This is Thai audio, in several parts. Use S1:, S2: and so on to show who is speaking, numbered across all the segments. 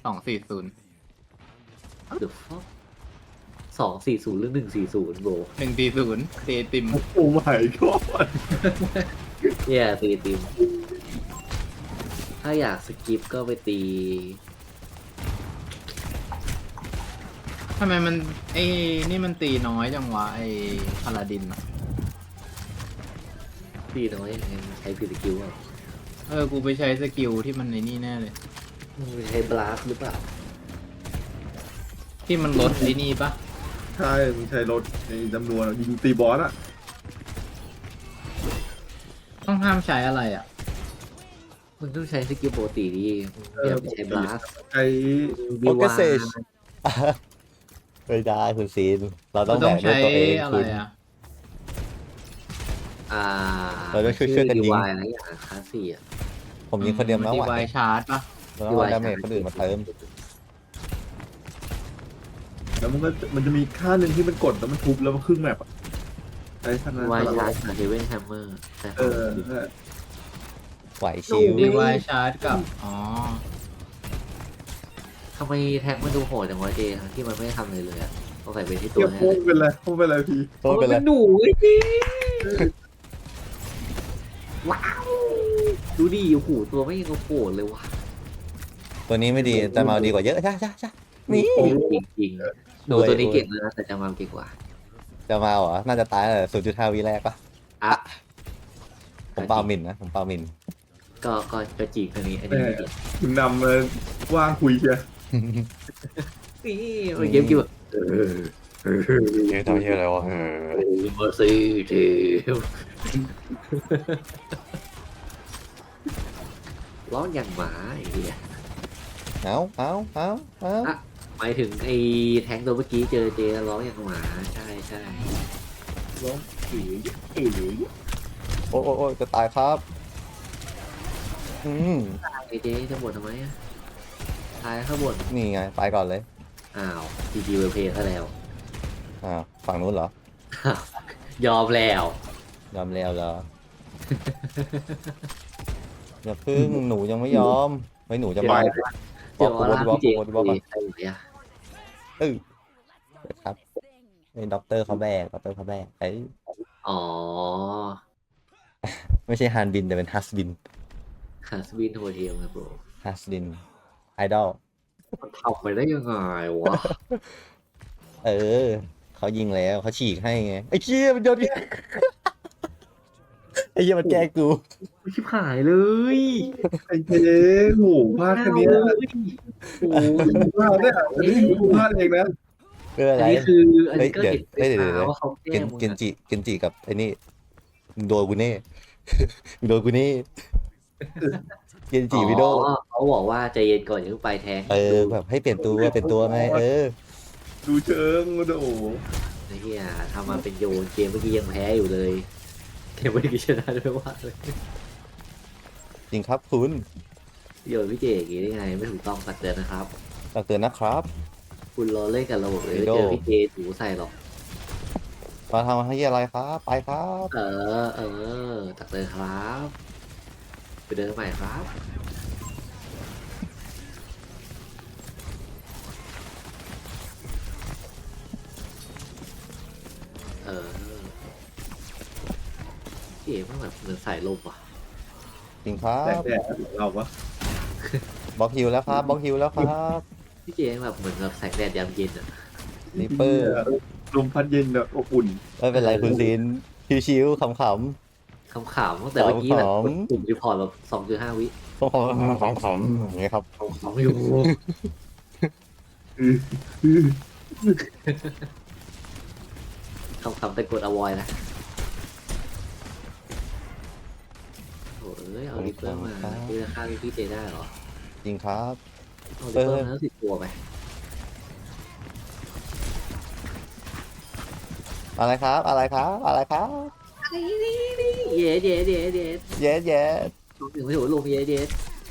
S1: 240
S2: เดี๋ยว240หรือ140โบ
S1: 140ตีติม
S3: โอ้ไม่ก็
S2: แย่ตีติมถ้าอยากสกิปก็ไปตี
S1: ทำไมมันไอ้นี่มันตีน้อยจังวะไอ้พาลาดินอะ
S2: ตีน้อยยังไงใช้ผิดสกิลอ่ะ
S1: กูไปใช้สกิลที่มันในนี่แน่เลย
S2: มันใช้บลัสหรือเปล่า
S1: ที่มันลดไอ้นี่ปะ
S3: ใช่มึงใช้รถในจำนวนยิงตีบอสอ่ะ
S1: ต้องห้ามใช้อะไรอ่ะ
S2: มึงต้องใช้สกิลปกติดิอย่าไปใช้บลัส
S3: ใช้
S2: ดี
S4: โอเก
S2: วา
S4: เซชไม่ได้คุณซีนเราต้อง
S1: ต้
S4: แบ
S1: อง
S4: กด้วย
S1: ใช้
S4: ตัวเอง
S1: อะไร
S4: คุณ
S1: อ่ะ
S4: เราต้องช่วยๆกันยิง
S2: ดีวายอะไรอย่างคลาสสี่อ่ะ
S4: ผมยิงคนเดียวไม่
S1: ดี
S4: ไหว
S1: ไวชาร์จปะ
S4: เราต้องเอาดาเมจคนอื่นมาเติม
S3: แล้วมันจะมีค่าหนึ่งที่มันกดแล้วมันทุบแล้วมันครึ่งแมปอ่ะใช้ท่าน
S2: ดี
S3: นั้น
S2: วายชาร์จกับเฮเวนแฮมเมอร์ใช่
S3: เออ
S4: ไหวชิว
S1: ดีไวชาร์จกับอ๋อ
S2: ทำไมแท็กมันดูโหดจังวะเจทั้งที่มันไม่ทำเลยเลยอ่ะต้องใส่เป็นที่ตั
S3: เกี่
S2: ว
S3: ยว
S2: แน่
S3: โค้งเป็นไรโค้งเป็นไรพี่
S4: โทษไปเลย
S2: หนูไอ้จีว้าวดูดิโอ้โหตัวไม่ยังโหดเลยว่ะ
S4: ตัวนี้ไม่ดีแต่มาดีกว่าเยอะจ้าจ้าจ้านี่
S2: จริงจริงๆดูตัวนี้เก่งเลยนะแต่จะมาเก่งกว่า
S4: จะมาเหรอน่าจะตายเลย0.5 วิแรกปะ
S2: อ่ะ
S4: ผมเปล่าหมินนะผมเปล่าหมิน
S2: ก็จริงตัวนี้อันนี้ไม่เก่ง
S3: มึงนำเลยว่างคุยเชีย
S2: นี่มันเกมกี่แบบ
S4: เยอะตัวเยอะเลยวะ
S2: มาซีเทมร้องอย่างหมาไอ้เหี้ย
S4: เอา
S2: อ่ะหมายถึงไอ้แทงตัวเมื่อกี้เจอเจร้องอย่างหมาใช่ใช่
S3: ร้องเอ๋เอ๋
S4: โอ้จะตายครับอืม
S2: ไอ้เจจะบ่นทำไมอ่ะตายข้างบน
S4: นี่ไงไปก่อนเลย
S2: อ้าวจีจีเวลเพย์ซะแล้ว
S4: ฝั่งนู้นเหรอย
S2: อมแล้ว
S4: ยอมแล้วเหรออย่าพึ่งหนูยังไม่ยอมไม่หนูจะ
S2: เดี๋ยว
S4: มา
S2: เดี๋ยวลาพี่เจ
S4: บอกก่อน
S2: ใครอยู่เนี่ย
S4: ครับไอ้ด็อกเตอร์เขาแบกไอ้
S2: อ๋อ
S4: ไม่ใช่ฮานบินแต่เป็นฮัสบิน
S2: คาสบินโฮเทลนะโบร
S4: ฮัสบินไอดอล
S2: มันทำไปได้ยังไงวะ
S4: เขายิงแล้วเขาฉีกให้ไงไอ้เชี่ยมันโดนไอ้เชี่ยมันแกล้งกู
S2: ชิบหายเลย
S3: ไอ้เจ๊โหพลาดแค่เนี้ย
S2: โอ้โห
S3: พลาดเนี่ยอันนี้พลาดเองนะ
S4: เรื่อง
S2: อั
S4: อะไร
S2: นนี้คืออันนี้ก็
S4: เดี๋ยว
S2: เห็น
S4: เดี๋ยว
S2: ไปว่าเขาแกล้งมึง
S4: เกนจิกับไอ้นี่มึงโดนกูแน่ มึงโดนกูแน่เกนจิวิโด
S2: เขาบอกว่าใจเย็นก่อนอย่าเพิ่งไปแทง
S4: แบบให้เปลี่ยนตัวไง
S3: ดูเชิงโอ้โห
S2: ไอ้เหี้ยทำมาเป็นโยนเกมเมื่อกี้ยังแพ้อยู่เลยเกมเมื่อกี้ชนะด้วยว่าเลย
S4: จริงครับคุณ
S2: โยนพี่เจอย่างงี้ได้ไงไม่ถูกต้องตักเตือนนะครับ
S4: ตักเตือนนะครับ
S2: คุณรอเล่นกับระบบเลย
S4: วิ
S2: ไม่
S4: โด
S2: เจอพี่เจถูใส่หรอก
S4: มาทำให้อะไรครับไปครับ
S2: ตักเตือนครับไปเดินใหม่ครับพี่เอ๋มันแบบเหมือนสายลมว่ะ
S4: จริงครั
S3: แด
S4: บ
S3: กแดดเราวะ
S4: บล็อกฮิวแล้วครับบล็อกฮิวแล้วครับ
S2: พี่เจแบบเหมือนแบบแสงแดดยามเย็นอ่ะ
S4: นิปเปอร์
S3: ลมพัดเย็นแบบอบอุ่น
S4: ไม่เป็นไรคุณซีนชิวๆขำ
S2: ขำๆตั้งแต่เมื่อกี้แบบ
S4: ขำๆ
S2: กดปุ่มรีพอร์ตแบบ2.5 วิ
S4: ๆขำอย่างเงี้ยครับ
S2: ขำอยู่ขำๆแต่กดอวอยนะโอ้ยเอาดิปเปอร์มาเพื่อฆ่าพี่เจได้เหรอ
S4: จริงครับ
S2: เอาดิปเปอร์มาแล้ว10 ตัวไป
S4: อะไรครับอะไรครับอะไรครับ
S2: เย้เย้เย้เย้
S4: เย้เย้
S2: ลงถึงไม่ถูกลงเย้เย้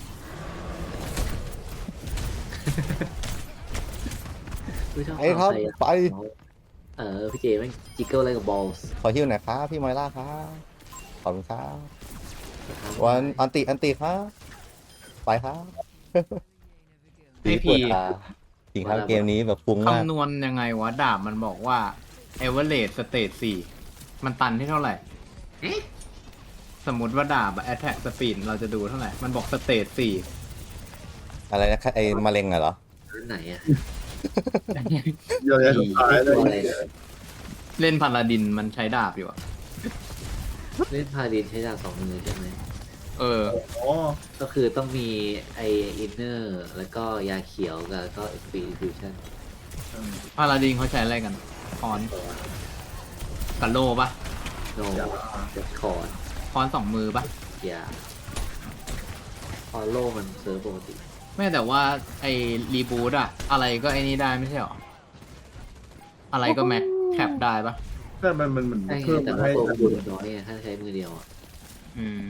S2: ไม่ชอบ
S4: ไอ้ครับ
S2: ใส่อะ
S4: ไป
S2: พี่เจแม่งจิกเกิลอะไรกับบอลส์
S4: ขอฮิวหน่อยครับพี่มอยล่าครับขอบคุณครับวันอันติครับไปครับ
S1: ไอ
S4: ป
S1: พี
S4: วดตาจริงครับเกมนี้แบบฟุ้งมาก
S1: คำนวณยังไงวะดาบมันบอกว่า average state 4 มันตันที่เท่าไหร่ สมมติว่าดาบอะ attack speed เราจะดูเท่าไหร่ มันบอก state
S4: อะไรนะครับไอ้มะเร็งอะเหรอ
S2: รุ่นไหนอ่ะ
S3: เยอะแยะสุดท้ายเลย
S2: อะไร
S1: 4 เล่นพาลาดินมันใช้ดาบอยู่อะ
S2: เล่นพาดินใช้ดาบสองมือใช่ไหม
S1: เออ
S3: อ๋อ
S2: ก็คือต้องมีไออินเนอร์แล้วก็ยาเขียวแล้วก็เอ็กซ์พีฟิวชั่น
S1: พาลาดินเขาใช้อะไรกันคอนกับโลปะ
S2: โนเจ็ดคอร์ด
S1: คอน2 มือปะ
S2: ยาพอโลมันเซิร์ฟปกติ
S1: ไม่แต่ว่าไอ้รีบูตอะอะไรก็ไอ้นี่ได้ไม่ใช่หรอ อะไรก็แม็กแคปได้ปะ
S3: แต่มันเหมือน
S2: ใช่ไง
S3: เพิ่ม
S2: แต่
S3: มา
S2: ว่า
S3: ให้
S2: ตัวบุญน้อยไงถ้าใช้มือเดียวอ่ะ
S1: อืม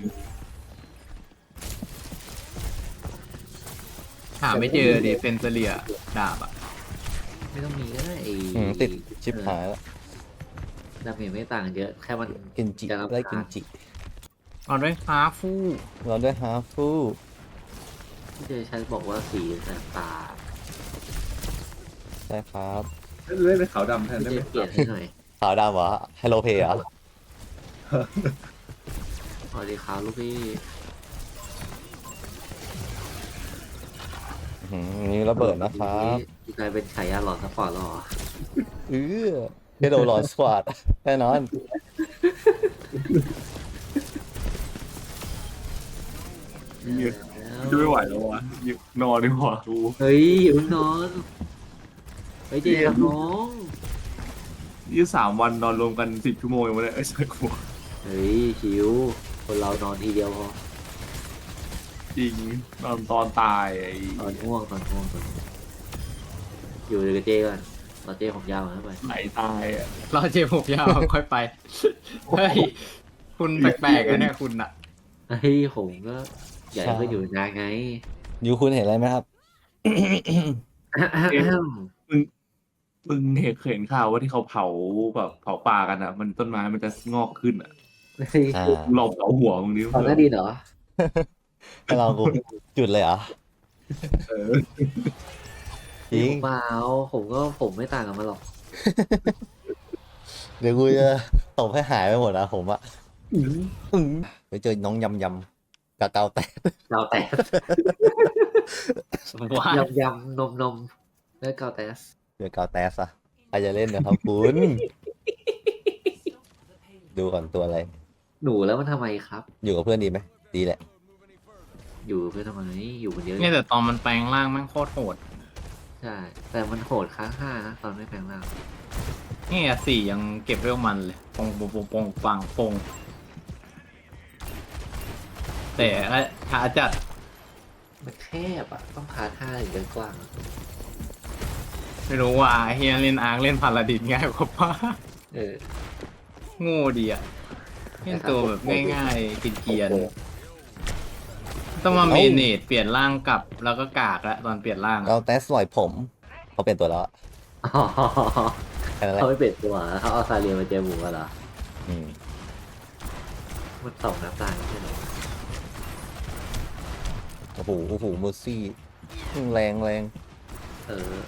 S1: หาไม่เจอดิเซนเซเรียดาบอะ
S2: ไม่ต้องมีก็ได้ไอ
S4: ติดชิปหายแล้ว
S2: ดาเมจไม่ต่างเยอะแค่มัน
S4: กินจิ
S2: จะรำคาญ
S4: ได้กินจิ
S1: เอาด้วยฮาฟู
S4: เราด้วยฮาฟู
S2: ที่เจอฉันบอกว่าสีแสบตา
S4: ใช่ครับ
S3: เล่นเป็นขาวดำแทน
S2: ที่
S3: ได้
S2: เจ
S3: ไหม
S2: เปลี่ยนให้หน่อย
S4: ขาวดำเหรอไฮโลเพย์เหรอ
S2: สวัสดีครับลูกพี่
S4: นี่ระเบิดนะครับ
S2: นี่กลายเป็นฉายาหลอนสปอร์ตหรอ
S4: เฮโดหลอนสควอตแน่นอน
S3: จะไม่ไหวแล้ววะนอนดีกว่าดู
S2: เฮ้ยอย่าเพิ่งนอนเฮ้ยเจครับน้อง
S3: 23 วันนอนรวมกัน10 ชั่วโมงยังไม่ได้ใช่กู
S2: เฮ้ยชิวคนเรานอนทีเดียวพอ
S3: จริงนอนตอนตายไอ้
S2: ตอนง่วงอยู่กับเจก่อนตอนเจผมยาวนะไป
S3: ไหลตายอ่ะ
S1: รอเจ็บผมยาว ค่อยไป เฮ้ย คุณแปลกๆอะเนี่ยคุณอะ
S2: เฮ้ยผมก็อยากให้เพื่อนอยู่นานไง
S4: ยูคุณเห็นอะไรไหมครับ
S3: มึงเห็นข่าวว่าที่เขาเผาแบบเผาป่ากันอ่ะ มันต้นไม้มันจะงอกขึ้นอ่ะ
S2: เฮ้ย
S4: อ่า
S3: ลองเผาหัวมึงดิ
S2: ตอนหน้าดีเหรอ
S4: ให้เรากูจุดเลยเหรอ
S3: เออ
S4: จริง
S2: เปล่าผมไม่ต่างกันมาหรอก
S4: เดี๋ยวกูจะตบให้หายไปหมดนะผมอะไปเจอน้องยำกะเกาแตก
S2: เราแต่
S1: ว้าย
S2: ยำนมแล้วเกาแต่
S4: เจอเกาแตสอะใครจะเล่นนะครับคุณดูก่อนตัวอะไร
S2: หนูแล้วมันทำไมครับ
S4: อยู่กับเพื่อนดีไหมดีแหละ
S2: อยู่เพื่อนทำไมอยู่คนเดียว
S1: เนี่ยแต่ตอนมันแปลงร่างแม่งโคตรโหด
S2: ใช่แต่มันโหดค้าง5นะตอนไม่แปลงร่าง
S1: นี่อะ4ยังเก็บเวลมันเลยปงปงปงปงปังปงแต่ขาจัด
S2: มันแคบอ่ะต้องพาท่าถึงจะกว้างอะ
S1: ไม่รู้ว่าเฮียเล่นอาร์คเล่นพาลาดินง่ายกว่าป้า
S2: เออ
S1: โง่ดีอะเล่นตัวแบบง่ายๆกินเกียนๆต้องมาเมเนจเปลี่ยนร่างกลับแล้วก็กากแล้วตอนเปลี่ยนร่างอะ
S4: เกาแตสลอยผมเขาเป็นตัวแล้วอะ
S2: อ๋อ
S4: แค่นั้นแหละ
S2: เขาไม่เปลี่ยนตัวเขาเอาซาเรียมาเจอหมูกันเหรอ
S4: อืม
S2: มันตกน้ำตาลใช่ไหม
S4: โอ้โหเมอร์ซี่แรง
S2: เออ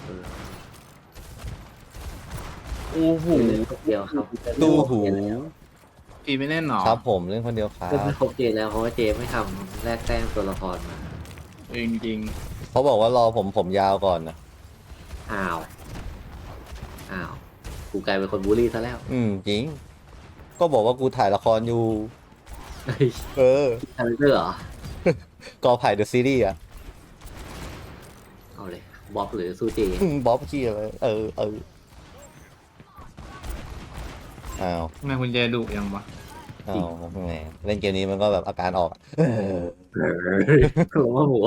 S3: โอ้โห
S2: เดียวครับ
S4: ตู้หู
S1: พี่ไม่เล่นหรอ
S4: ครับผมเล่นคนเดียวครั
S2: ก็
S4: บ
S2: ไม่ครบเจแล้วเพราะว่าเจไม่ทำแลกแต้มตัวละครมา
S1: จริง
S4: เขาบอกว่ารอผมยาวก่อนนะ
S2: อ้าวกูกลายเป็นคนบูลลี่ซะแล้ว
S4: จริง ก็บอกว่ากูถ่ายละครอยู่
S2: เฮ้ย
S4: เออ
S2: คาแรคเตอร์เหรอก
S4: อไผ่เดอะซีรีส์อะ
S2: เอาเลยบ๊อบหรือซูเจ
S4: บ๊อบขี้อะไรเอออ้าว
S1: ๆทำไมคุณเจดุยังวะ
S4: อ้าวแหมเล่นเกมนี้มันก็แบบอาการออกอะ
S2: ลงมาหัว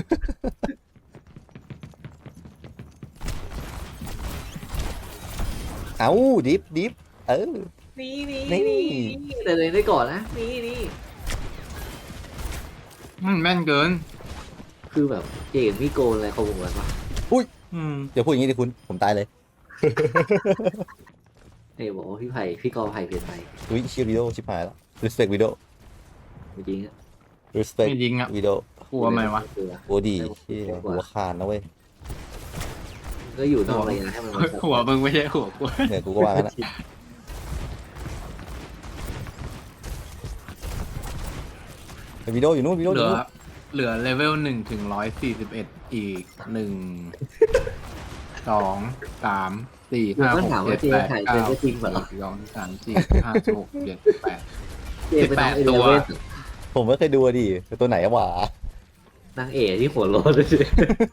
S4: เอ้าดิฟเออ
S2: นี่
S4: นี่
S2: แต่เลยได้ก่อนนะนี่
S1: มันแม่นเกิน
S2: คือแบบเจมมี่โกนอะไรเขาบอกกันว่า
S1: อืม
S4: อย่าพูดอย่างนี้ดิคุณผมตายเลย
S2: เฮ้ยบอกว่าพี่กอไผ่เปลี่ยนไป
S4: อุ้ยชิวิโดชิบหายแล้ว respect วิดีโอ
S2: จริงๆอะ
S4: respect
S1: ไม่ยิงอ่ะ
S4: วิดีโอก
S1: ลัวไหมวะ
S4: โอ้ดีที่หัวขาดนะเว้ย
S2: ก็อยู่นอกระยะให้มันมา
S1: หัวมึงไม่ใช่หัวกู
S4: เนี่ยกูก็ว่างั้นอะไอ้วิดีโออยู่นู่นวิดีโออ
S1: เหลื
S4: ยู่
S1: อ
S4: นู่น
S1: เหลือเลเวล1 ถึง 141อีก1 2 3 4 5
S2: ก็ถาม
S1: 6
S2: ว่า
S1: 7
S2: เจ
S1: 8
S2: ถ่าย
S1: 9
S2: เป็นก็จริงเปล่า
S1: 2 3 4 5 6 7 8
S2: เจเป็นนางเอ
S1: 18ตัว
S2: เว่น
S4: ผมไม่เคยดูอะดิตัวไหนอะหวาน
S2: างเอที่หัวโลนเลยเจ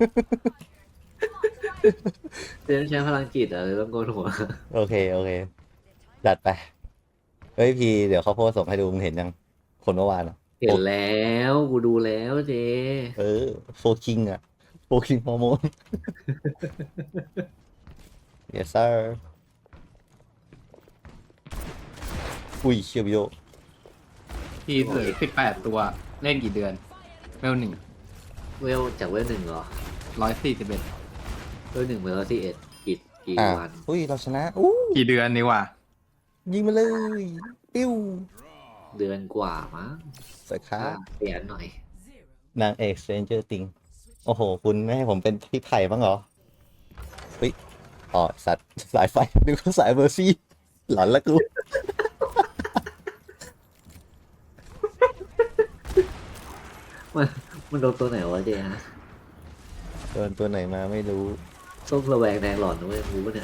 S2: ต้องใช้พลังจิตอะเลยต้องโกนหัว
S4: โอเคโอเคจัดไปเฮ้ยพี่เดี๋ยวเขาโพสต์ส่งให้ดูมึงเห็นยังคนเมื่อวานอะ
S2: เห็นแล้วกูดูแล้วเจ
S4: เออโฟคิงอะโฟคิงฮอร์โมน yes sir อุ้ยเชียวิโอ
S1: ทีเสือ18 ตัวเล่นกี่เดือนเลเวล
S2: เวลจากเวล1เหรอ
S1: 141
S2: เวล1เวล11กี่
S4: อ่ะ
S2: วัน
S4: อุ้ยเราชนะอู้
S1: กี่เดือนนี่วะ
S4: ยิงมาเลยปิ้ว
S2: เดือนกว่ามั้ง
S4: สวยครับ
S2: เปลี่ยนหน่อย
S4: นางเอก Stranger Things โอ้โห คุณไม่ให้ผมเป็นพี่ไผ่บ้างเหรอเฮ้ยอ๋อสัตว์สายไฟนึกว่าสายเบอร์ซี่หลอนละกู
S2: มันโดนตัวไหนวะเจฮะ
S4: โดนตัวไหนมาไม่รู้
S2: ส้มระแวงแดงหลอนนะเว้ยรู้ปะเนี่ย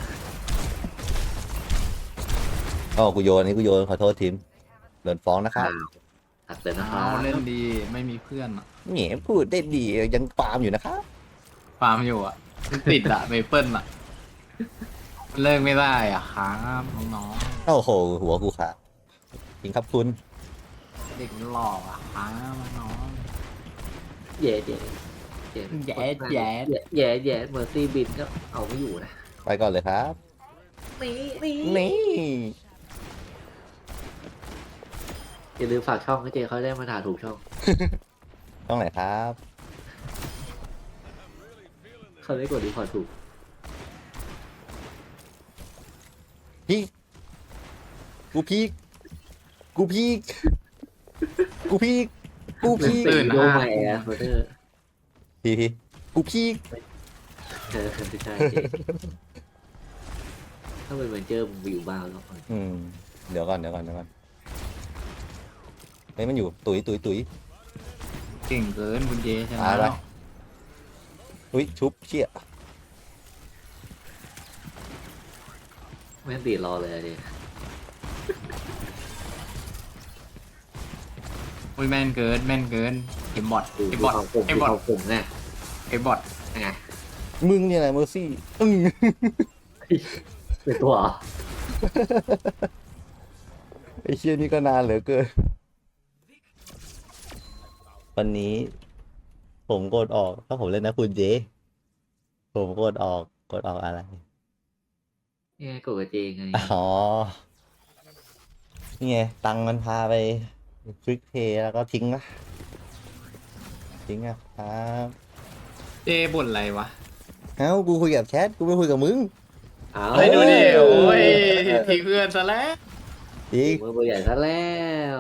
S4: อ๋อกูโยนอันนี้กูโยนขอโทษทีมโดนฟ้องนะครับ
S2: ตัดเลยนะครั
S1: เอา
S2: บ
S1: เล่นดีไม่มีเพื่อนอะ
S4: เหงียพูดได้ดียังฟาร์มอยู่นะครับ
S1: ฟาร์มอยู่อะมันติดอะเมเปิลอะเลิกไม่ได้อะครับน้อง
S4: โอ้โห หัวกูขาดจริงครับคุณ
S1: ๆเด็กหล่ออะครับน้อง
S2: แย่แย่
S1: แย่แย่
S2: แย่แย่เมอร์ซี่บินก็เอาไม่อยู่นะ
S4: ไปก่อนเลยครับ
S2: นี่
S4: นี่
S2: อย่าลืมฝากช่องให้เจเขาได้มาถ่ายถูกช่อง
S4: ต้องไหนครับ
S2: เขาได้กดรีพอร์ตถูก
S4: พี่กูพีกกูพีกกูพีกกูพีก
S2: ตื่นโยใหม่อะโคเตอร์
S4: พี่กูพีก
S2: ไม่ใช่เจถ้าเป็นเหมือนเจอมึงไปอยู่บ้านแล้ว
S4: อืมเดี๋ยวก่อนเฮ้ยมันอยู่ตุ๋ย
S1: เก่งเกินคุณเจช
S4: ตา
S1: นะ
S4: ยไป อุ้ยชุบเชี่ย
S2: ไม่ต้องตีรอเลยอะเจ
S1: อุ้ยแม่นเกินเกมบอท
S2: ดู
S1: เกมบอท
S2: เขาผม
S1: เกมบอท
S2: เขาผมไง
S1: เกมบอท
S2: ไง
S4: มึงเนี่ยแหละเมอร์ซี่อึ้ง
S2: เป็นตัวเหรอ
S4: ไอ้เชี่ยนี่ก็นานเหลือเกินวันนี้ ผมกดออกถ้าผมเล่นนะคุณเจ ผมกดออกอะไร
S2: นี่ไงกดกับเจไง
S4: อ๋อ นี่ไง ตังค์มันพาไปคลิกเพย์แล้วก็ทิ้งนะครับ
S1: เจบ่นอะไรวะ
S4: เอ้า กูคุยกับแชท กูไม่คุยกับมึง
S2: เอา
S1: เฮ้ยดูดิโอ้ยทิ้งเพื่อนซะแล้ว
S4: จริง
S2: มือเบอร์ใหญ่ซะแล้ว